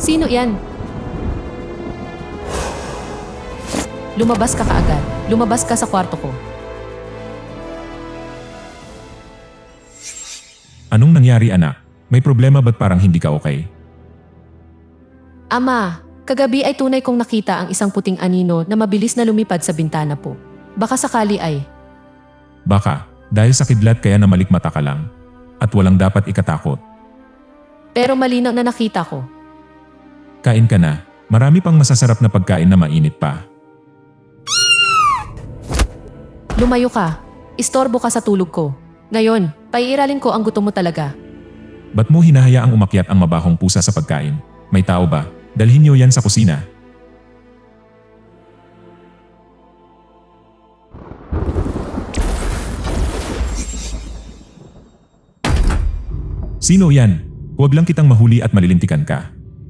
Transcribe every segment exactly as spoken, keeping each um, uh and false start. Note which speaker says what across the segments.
Speaker 1: Sino yan? Lumabas ka kaagad. Lumabas ka sa kwarto ko.
Speaker 2: Anong nangyari anak? May problema ba't parang hindi ka okay?
Speaker 1: Ama, kagabi ay tunay kong nakita ang isang puting anino na mabilis na lumipad sa bintana po. Baka sakali ay...
Speaker 2: Baka, dahil sa kidlat kaya namalikmata ka lang. At walang dapat ikatakot.
Speaker 1: Pero malinaw na nakita ko.
Speaker 2: Kain ka na. Marami pang masasarap na pagkain na mainit pa.
Speaker 1: Lumayo ka. Istorbo ka sa tulog ko. Ngayon, paiiralin ko ang gutom mo talaga.
Speaker 2: Ba't mo hinahayaang umakyat ang mabahong pusa sa pagkain? May tao ba? Dalhin niyo yan sa kusina. Sino yan? Huwag lang kitang mahuli at malilintikan ka.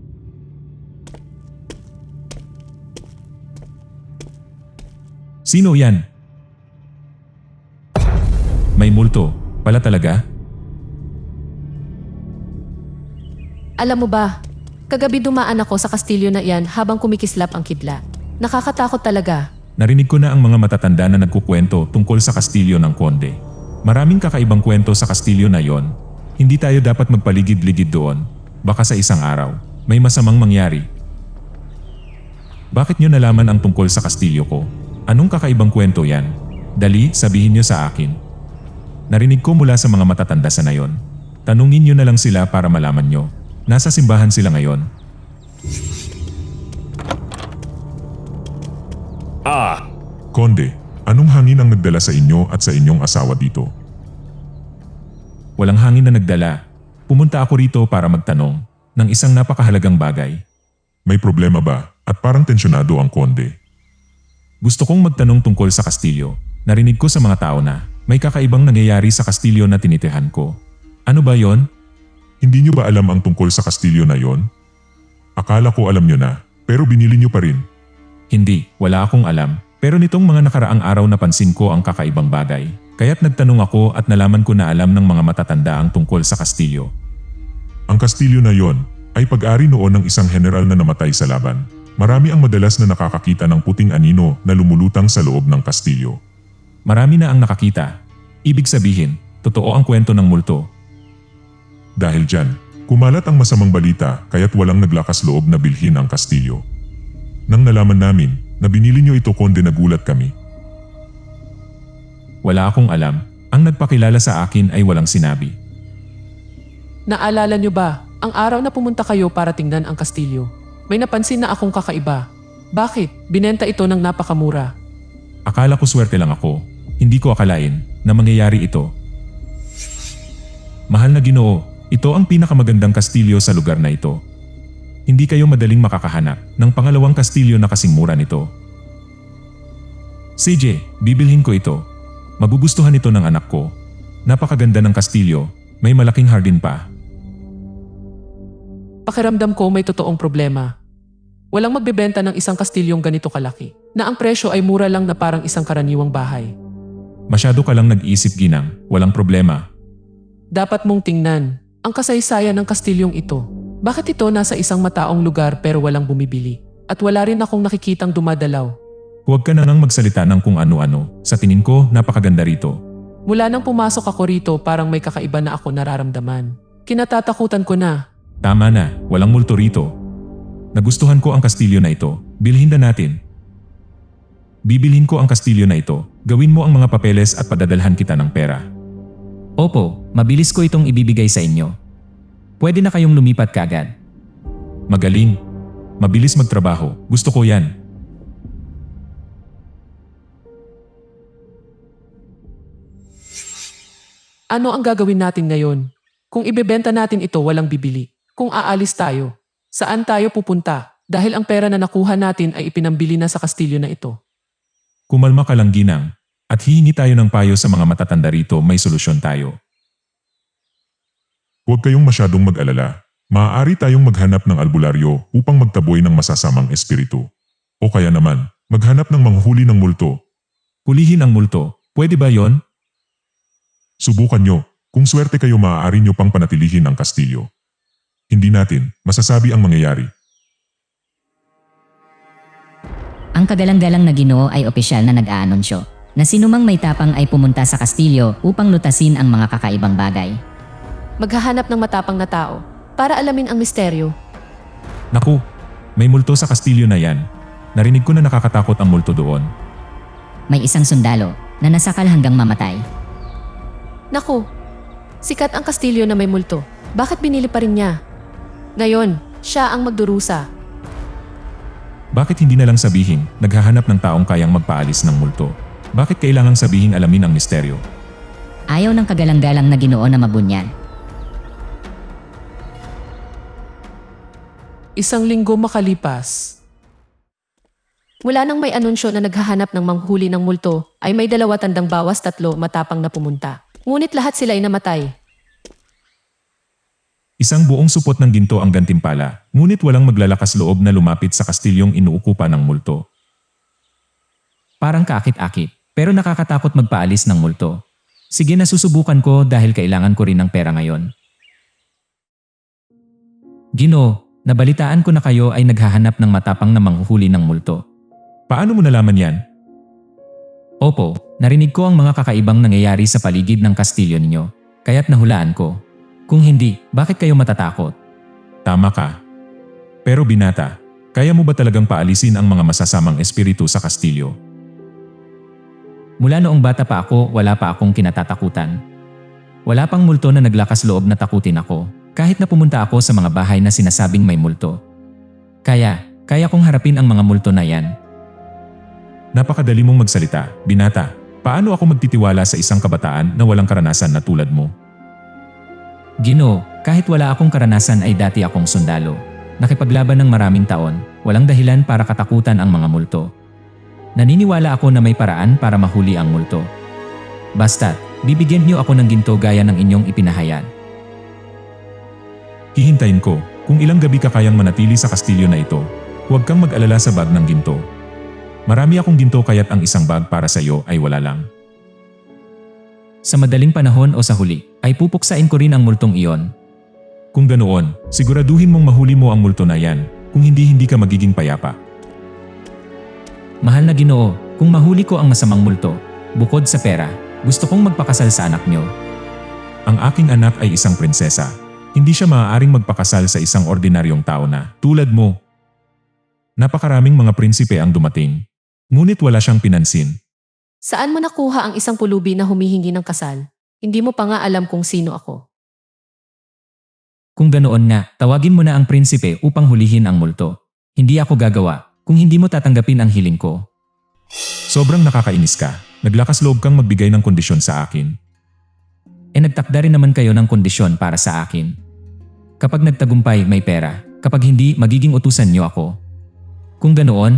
Speaker 2: Sino yan? May multo, pala talaga?
Speaker 1: Alam mo ba, kagabi dumaan ako sa kastilyo na iyan habang kumikislap ang kidlat. Nakakatakot talaga.
Speaker 2: Narinig ko na ang mga matatanda na nagkukwento tungkol sa kastilyo ng konde. Maraming kakaibang kwento sa kastilyo na yon. Hindi tayo dapat magpaligid-ligid doon. Baka sa isang araw, may masamang mangyari. Bakit nyo nalaman ang tungkol sa kastilyo ko? Anong kakaibang kwento yan? Dali, sabihin nyo sa akin. Narinig ko mula sa mga matatanda sa nayon. Tanungin nyo na lang sila para malaman nyo. Nasa simbahan sila ngayon.
Speaker 3: Ah!
Speaker 4: Konde, anong hangin ang nagdala sa inyo at sa inyong asawa dito?
Speaker 2: Walang hangin na nagdala. Pumunta ako rito para magtanong ng isang napakahalagang bagay.
Speaker 4: May problema ba? At parang tensyonado ang konde.
Speaker 2: Gusto kong magtanong tungkol sa kastilyo. Narinig ko sa mga tao na may kakaibang nangyayari sa kastilyo na tinitihan ko. Ano ba yon?
Speaker 4: Hindi nyo ba alam ang tungkol sa kastilyo na yon? Akala ko alam nyo na, pero binili nyo pa rin.
Speaker 2: Hindi, wala akong alam. Pero nitong mga nakaraang araw napansin ko ang kakaibang bagay. Kaya't nagtanong ako at nalaman ko na alam ng mga matatanda ang tungkol sa kastilyo.
Speaker 4: Ang kastilyo na yon ay pag-ari noon ng isang general na namatay sa laban. Marami ang madalas na nakakakita ng puting anino na lumulutang sa loob ng kastilyo.
Speaker 2: Marami na ang nakakita. Ibig sabihin, totoo ang kwento ng multo.
Speaker 4: Dahil dyan, kumalat ang masamang balita kaya't walang naglakas loob na bilhin ang kastilyo. Nang nalaman namin na binili nyo ito konde nagulat kami.
Speaker 2: Wala akong alam. Ang nagpakilala sa akin ay walang sinabi.
Speaker 5: Naalala nyo ba, ang araw na pumunta kayo para tingnan ang kastilyo? May napansin na akong kakaiba. Bakit? Binenta ito ng napakamura.
Speaker 2: Akala ko swerte lang ako. Hindi ko akalain na mangyayari ito. Mahal na Ginoo, ito ang pinakamagandang kastilyo sa lugar na ito. Hindi kayo madaling makakahanap ng pangalawang kastilyo na kasing mura nito. C J, bibilhin ko ito. Magugustuhan ito ng anak ko. Napakaganda ng kastilyo, may malaking hardin pa.
Speaker 5: Pakiramdam ko may totoong problema. Walang magbebenta ng isang kastilyong ganito kalaki, na ang presyo ay mura lang na parang isang karaniwang bahay.
Speaker 2: Masyado ka lang nag-iisip Ginang, walang problema.
Speaker 5: Dapat mong tingnan ang kasaysayan ng kastilyong ito. Bakit ito nasa isang mataong lugar pero walang bumibili? At wala rin akong nakikitang dumadalaw.
Speaker 2: Huwag ka na nang magsalita ng kung ano-ano. Sa tingin ko, napakaganda rito.
Speaker 5: Mula nang pumasok ako rito parang may kakaiba na ako nararamdaman. Kinatatakutan ko na.
Speaker 2: Tama na, walang multo rito. Nagustuhan ko ang kastilyo na ito. Bilhin na natin. Bibilhin ko ang kastilyo na ito. Gawin mo ang mga papeles at padadalhan kita ng pera.
Speaker 6: Opo, mabilis ko itong ibibigay sa inyo. Pwede na kayong lumipat kaagad.
Speaker 2: Magaling. Mabilis magtrabaho. Gusto ko yan.
Speaker 5: Ano ang gagawin natin ngayon? Kung ibebenta natin ito walang bibili. Kung aalis tayo, saan tayo pupunta? Dahil ang pera na nakuha natin ay ipinambili na sa kastilyo na ito.
Speaker 2: Kumalma ka lang Ginang. At hihingi tayo ng payo sa mga matatanda rito, may solusyon tayo.
Speaker 4: Huwag kayong masyadong mag-alala. Maaari tayong maghanap ng albularyo upang magtaboy ng masasamang espiritu. O kaya naman, maghanap ng manghuli ng multo.
Speaker 2: Hulihin ang multo. Pwede ba yon?
Speaker 4: Subukan nyo. Kung swerte kayo maaari nyo pang panatilihin ang kastilyo. Hindi natin masasabi ang mangyayari.
Speaker 3: Ang kagalang-galang na Ginoo ay opisyal na nag-aanunsyo na sinumang may tapang ay pumunta sa kastilyo upang lutasin ang mga kakaibang bagay.
Speaker 1: Maghahanap ng matapang na tao para alamin ang misteryo.
Speaker 2: Naku, may multo sa kastilyo na yan. Narinig ko na nakakatakot ang multo doon.
Speaker 3: May isang sundalo na nasakal hanggang mamatay.
Speaker 1: Naku, sikat ang kastilyo na may multo. Bakit binili pa rin niya? Ngayon, siya ang magdurusa.
Speaker 2: Bakit hindi na lang sabihin, naghahanap ng taong kayang magpaalis ng multo? Bakit kailangang sabihin alamin ang misteryo?
Speaker 3: Ayaw ng kagalang-galang na Ginoo na mabunyan.
Speaker 5: Isang linggo makalipas.
Speaker 1: Mula nang may anunsyo na naghahanap ng manghuli ng multo, ay may dalawa tandang bawas tatlo matapang na pumunta. Ngunit lahat sila ay namatay.
Speaker 2: Isang buong supot ng ginto ang gantimpala, ngunit walang maglalakas loob na lumapit sa kastilyong inuukupan ng multo.
Speaker 6: Parang kaakit-akit, pero nakakatakot magpaalis ng multo. Sige na susubukan ko dahil kailangan ko rin ng pera ngayon. Ginoo, nabalitaan ko na kayo ay naghahanap ng matapang na manghuhuli ng multo.
Speaker 2: Paano mo nalaman yan?
Speaker 6: Opo, narinig ko ang mga kakaibang nangyayari sa paligid ng kastilyo ninyo, kaya't nahulaan ko. Kung hindi, bakit kayo matatakot?
Speaker 2: Tama ka. Pero binata, kaya mo ba talagang paalisin ang mga masasamang espiritu sa kastilyo?
Speaker 6: Mula noong bata pa ako, wala pa akong kinatatakutan. Wala pang multo na naglakas loob na takutin ako, kahit na pumunta ako sa mga bahay na sinasabing may multo. Kaya, kaya kong harapin ang mga multo na yan.
Speaker 2: Napakadali mong magsalita, binata. Paano ako magtitiwala sa isang kabataan na walang karanasan na tulad mo?
Speaker 6: Ginoo, kahit wala akong karanasan ay dati akong sundalo. Nakipaglaban ng maraming taon, walang dahilan para katakutan ang mga multo. Naniniwala ako na may paraan para mahuli ang multo. Basta't, bibigyan niyo ako ng ginto gaya ng inyong ipinahayag.
Speaker 2: Hihintayin ko, kung ilang gabi ka kayang manatili sa kastilyo na ito, huwag kang mag-alala sa bag ng ginto. Marami akong ginto kaya't ang isang bag para sa iyo ay wala lang.
Speaker 6: Sa madaling panahon o sa huli, ay pupuksain ko rin ang multong iyon.
Speaker 2: Kung ganoon, siguraduhin mong mahuli mo ang multo na yan, kung hindi hindi ka magiging payapa.
Speaker 6: Mahal na Ginoo, kung mahuli ko ang masamang multo, bukod sa pera, gusto kong magpakasal sa anak niyo.
Speaker 2: Ang aking anak ay isang prinsesa. Hindi siya maaaring magpakasal sa isang ordinaryong tao na, tulad mo. Napakaraming mga prinsipe ang dumating. Ngunit wala siyang pinansin.
Speaker 1: Saan mo nakuha ang isang pulubi na humihingi ng kasal? Hindi mo pa nga alam kung sino ako.
Speaker 6: Kung ganoon nga, tawagin mo na ang prinsipe upang hulihin ang multo. Hindi ako gagawa kung hindi mo tatanggapin ang hiling ko.
Speaker 2: Sobrang nakakainis ka. Naglakas loob kang magbigay ng kondisyon sa akin.
Speaker 6: E nagtakda rin naman kayo ng kondisyon para sa akin. Kapag nagtagumpay, may pera. Kapag hindi, magiging utusan niyo ako. Kung ganoon,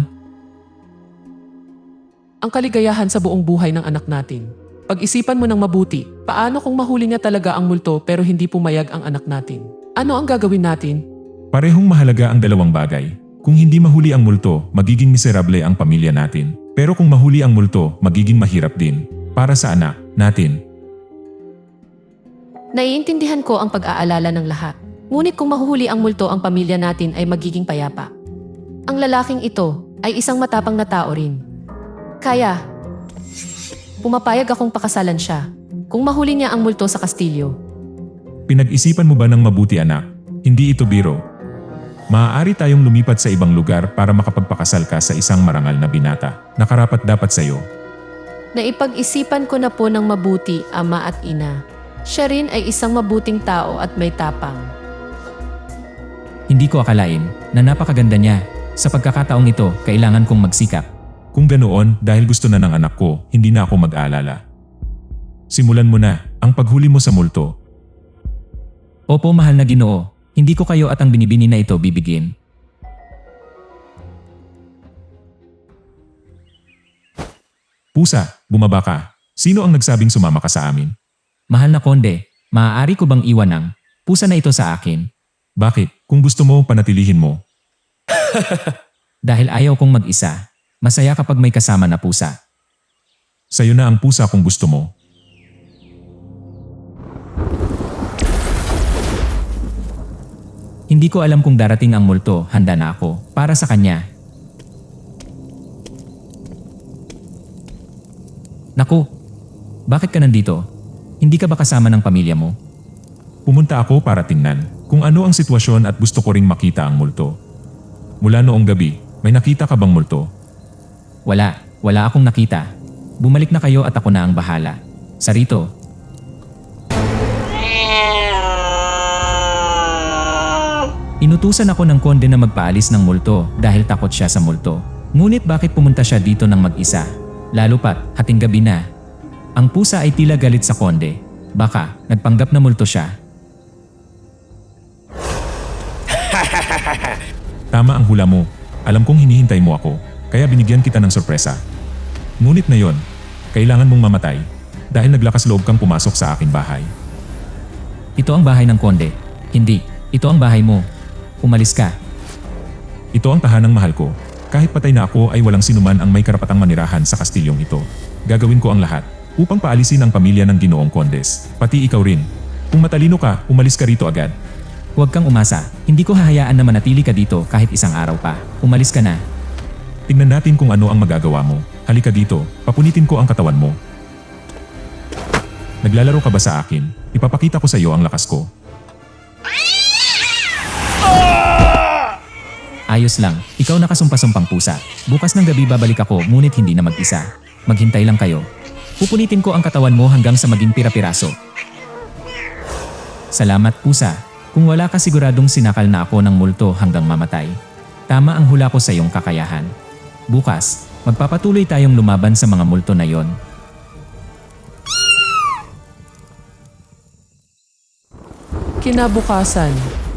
Speaker 5: Ang kaligayahan sa buong buhay ng anak natin. Pag-isipan mo ng mabuti, paano kung mahuli niya talaga ang multo pero hindi pumayag ang anak natin? Ano ang gagawin natin?
Speaker 2: Parehong mahalaga ang dalawang bagay. Kung hindi mahuli ang multo, magiging miserable ang pamilya natin. Pero kung mahuli ang multo, magiging mahirap din. Para sa anak natin.
Speaker 1: Naiintindihan ko ang pag-aalala ng lahat. Ngunit kung mahuhuli ang multo ang pamilya natin ay magiging payapa. Ang lalaking ito ay isang matapang na tao rin. Kaya, pumapayag akong pakasalan siya kung mahuli niya ang multo sa kastilyo.
Speaker 2: Pinag-isipan mo ba ng mabuti anak? Hindi ito biro. Maaari tayong lumipat sa ibang lugar para makapagpakasal ka sa isang marangal na binata na karapat dapat sa iyo.
Speaker 1: Naipag-isipan ko na po ng mabuti, ama at ina. Siya rin ay isang mabuting tao at may tapang.
Speaker 6: hindi ko akalain na napakaganda niya. Sa pagkakataong ito, kailangan kong magsikap.
Speaker 2: Kung ganoon, dahil gusto na ng anak ko, hindi na ako mag-aalala. Simulan mo na ang paghuli mo sa multo.
Speaker 6: Opo, mahal na Ginoo, hindi ko kayo at ang binibini na ito bibigyan.
Speaker 2: Pusa, bumaba ka. Sino ang nagsabing sumama ka sa amin?
Speaker 6: Mahal na Konde, maaari ko bang iwan ang pusa na ito sa akin?
Speaker 2: Bakit? Kung gusto mo, panatilihin mo.
Speaker 6: Dahil ayaw kong mag-isa. Masaya kapag may kasama na pusa.
Speaker 2: Sa'yo na ang pusa kung gusto mo.
Speaker 6: Hindi ko alam kung darating ang multo, handa na ako para sa kanya. Naku! Bakit ka nandito? Hindi ka ba kasama ng pamilya mo?
Speaker 2: Pumunta ako para tingnan kung ano ang sitwasyon at gusto ko ring makita ang multo. Mula noong gabi, may nakita ka bang multo?
Speaker 6: Wala, wala akong nakita. Bumalik na kayo at ako na ang bahala. Sarito. Inutusan ako ng konde na magpaalis ng multo dahil takot siya sa multo. Ngunit bakit pumunta siya dito ng mag-isa? Lalo pat, hating gabi na. Ang pusa ay tila galit sa konde. Baka, nagpanggap na multo siya.
Speaker 2: Tama ang hula mo. Alam kong hinihintay mo ako, kaya binigyan kita ng sorpresa. Ngunit na yon, kailangan mong mamatay dahil naglakas loob kang pumasok sa aking bahay.
Speaker 6: Ito ang bahay ng konde. Hindi, ito ang bahay mo. Umalis ka.
Speaker 2: Ito ang tahanang mahal ko. Kahit patay na ako ay walang sinuman ang may karapatang manirahan sa kastilyong ito. Gagawin ko ang lahat upang paalisin ang pamilya ng Ginoong Kondes. Pati ikaw rin. Kung matalino ka, umalis ka rito agad.
Speaker 6: Huwag kang umasa. Hindi ko hahayaan na manatili ka dito kahit isang araw pa. Umalis ka na.
Speaker 2: Tingnan natin kung ano ang magagawa mo. Halika dito, papunitin ko ang katawan mo. Naglalaro ka ba sa akin? Ipapakita ko sa iyo ang lakas ko.
Speaker 6: Ayos lang, ikaw nakasumpa-sumpang pusa. Bukas ng gabi babalik ako ngunit hindi na mag-isa. Maghintay lang kayo. Pupunitin ko ang katawan mo hanggang sa maging pira-piraso. Salamat pusa. Kung wala ka siguradong sinakal na ako ng multo hanggang mamatay. Tama ang hula ko sa iyong kakayahan. Bukas, magpapatuloy tayong lumaban sa mga multo na yon.
Speaker 5: Kinabukasan,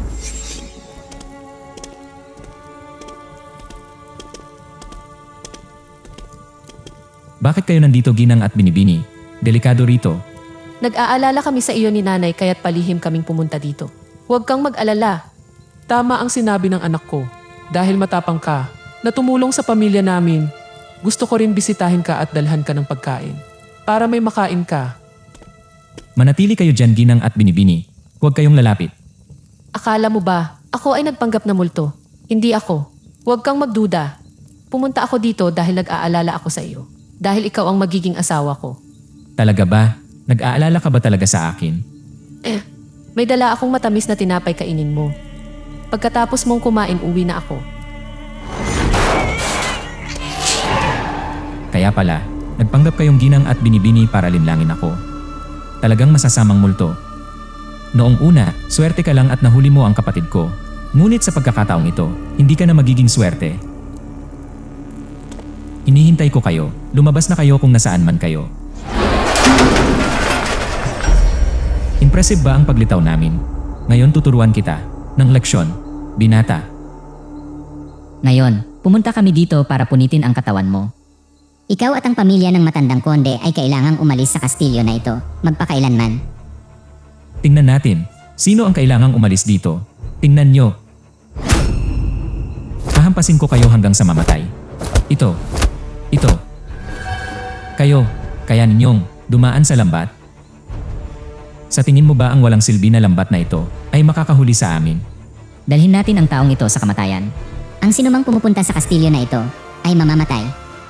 Speaker 6: Bakit kayo nandito Ginang at Binibini? Delikado rito.
Speaker 1: Nag-aalala kami sa iyo ni nanay kaya't palihim kaming pumunta dito. Huwag kang mag-alala.
Speaker 5: tama ang sinabi ng anak ko. Dahil matapang ka, na tumulong sa pamilya namin, gusto ko rin bisitahin ka at dalhan ka ng pagkain. Para may makain ka.
Speaker 6: Manatili kayo dyan Ginang at Binibini. Huwag kayong lalapit.
Speaker 1: Akala mo ba, ako ay nagpanggap na multo? Hindi ako. Huwag kang magduda. Pumunta ako dito dahil nag-aalala ako sa iyo. Dahil ikaw ang magiging asawa ko.
Speaker 6: Talaga ba? Nag-aalala ka ba talaga sa akin?
Speaker 1: Eh, may dala akong matamis na tinapay kainin mo. Pagkatapos mong kumain, uwi na ako.
Speaker 6: Kaya pala, nagpanggap kayong Ginang at Binibini para linlangin ako. Talagang masasamang multo. Noong una, swerte ka lang at nahuli mo ang kapatid ko. Ngunit sa pagkakataong ito, hindi ka na magiging swerte. Hinihintay ko kayo. Lumabas na kayo kung nasaan man kayo. Impressive ba ang paglitaw namin? Ngayon tuturuan kita ng leksyon, binata.
Speaker 3: Ngayon, pumunta kami dito para punitin ang katawan mo.
Speaker 7: Ikaw at ang pamilya ng matandang konde ay kailangang umalis sa kastilyo na ito, magpakailanman.
Speaker 6: Tingnan natin, sino ang kailangang umalis dito? Tingnan nyo. Hahampasin ko kayo hanggang sa mamatay. Ito. Ito. Kayo, kaya ninyong dumaan sa lambat? Sa tingin mo ba ang walang silbi na lambat na ito ay makakahuli sa amin?
Speaker 3: Dalhin natin ang taong ito sa kamatayan.
Speaker 7: Ang sinumang pumupunta sa kastilyo na ito ay mamamatay.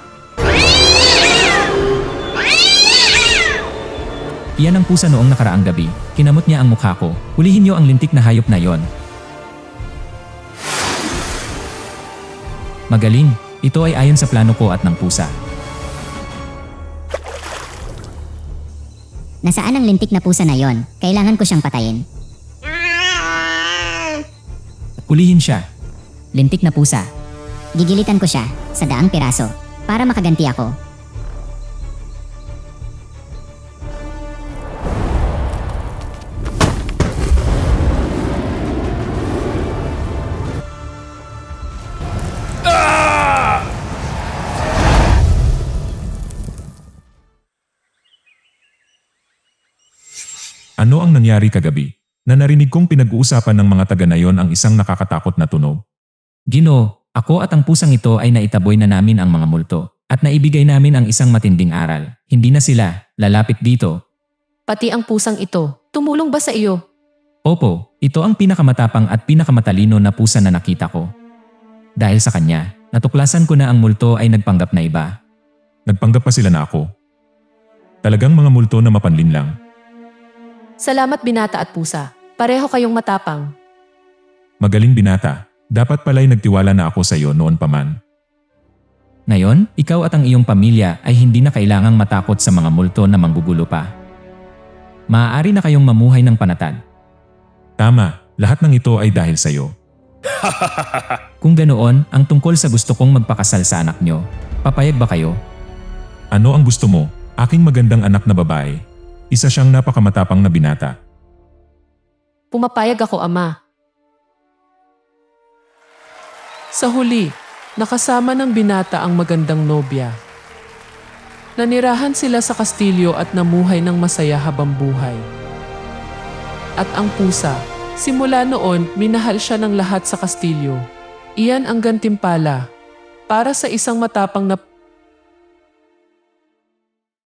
Speaker 6: Iyan ang pusa noong nakaraang gabi. Kinamot niya ang mukha ko. Hulihin niyo ang lintik na hayop na yon. Magaling. Ito ay ayon sa plano ko at ng pusa.
Speaker 7: Nasaan ang lintik na pusa na yon? Kailangan ko siyang patayin.
Speaker 6: Hulihin siya.
Speaker 3: Lintik na pusa.
Speaker 7: Gigilitan ko siya sa daang piraso para makaganti ako.
Speaker 2: Ano ang nangyari kagabi? Na narinig kong pinag-uusapan ng mga taga na yon ang isang nakakatakot na tunog.
Speaker 6: Gino, ako at ang pusang ito ay naitaboy na namin ang mga multo at naibigay namin ang isang matinding aral. Hindi na sila lalapit dito.
Speaker 1: Pati ang pusang ito, tumulong ba sa iyo?
Speaker 6: Opo, ito ang pinakamatapang at pinakamatalino na pusa na nakita ko. Dahil sa kanya, natuklasan ko na ang multo ay nagpanggap na iba.
Speaker 2: Nagpanggap pa sila na ako. Talagang mga multo na mapanlinlang.
Speaker 1: Salamat binata at pusa. Pareho kayong matapang.
Speaker 2: Magaling binata. Dapat pala'y nagtiwala na ako sa iyo noon pa man.
Speaker 6: Ngayon, ikaw at ang iyong pamilya ay hindi na kailangang matakot sa mga multo na manggugulo pa. Maaari na kayong mamuhay ng panatag.
Speaker 2: Tama, lahat ng ito ay dahil sa iyo.
Speaker 6: Kung ganoon, ang tungkol sa gusto kong magpakasal sa anak nyo, papayag ba kayo?
Speaker 2: Ano ang gusto mo? Aking magandang anak na babae. Isa siyang napakamatapang na binata.
Speaker 1: Pumapayag ako, ama.
Speaker 5: Sa huli, nakasama ng binata ang magandang nobya. Nanirahan sila sa kastilyo at namuhay ng masaya habang buhay. At ang pusa, simula noon minahal siya ng lahat sa kastilyo. Iyan ang gantimpala para sa isang matapang na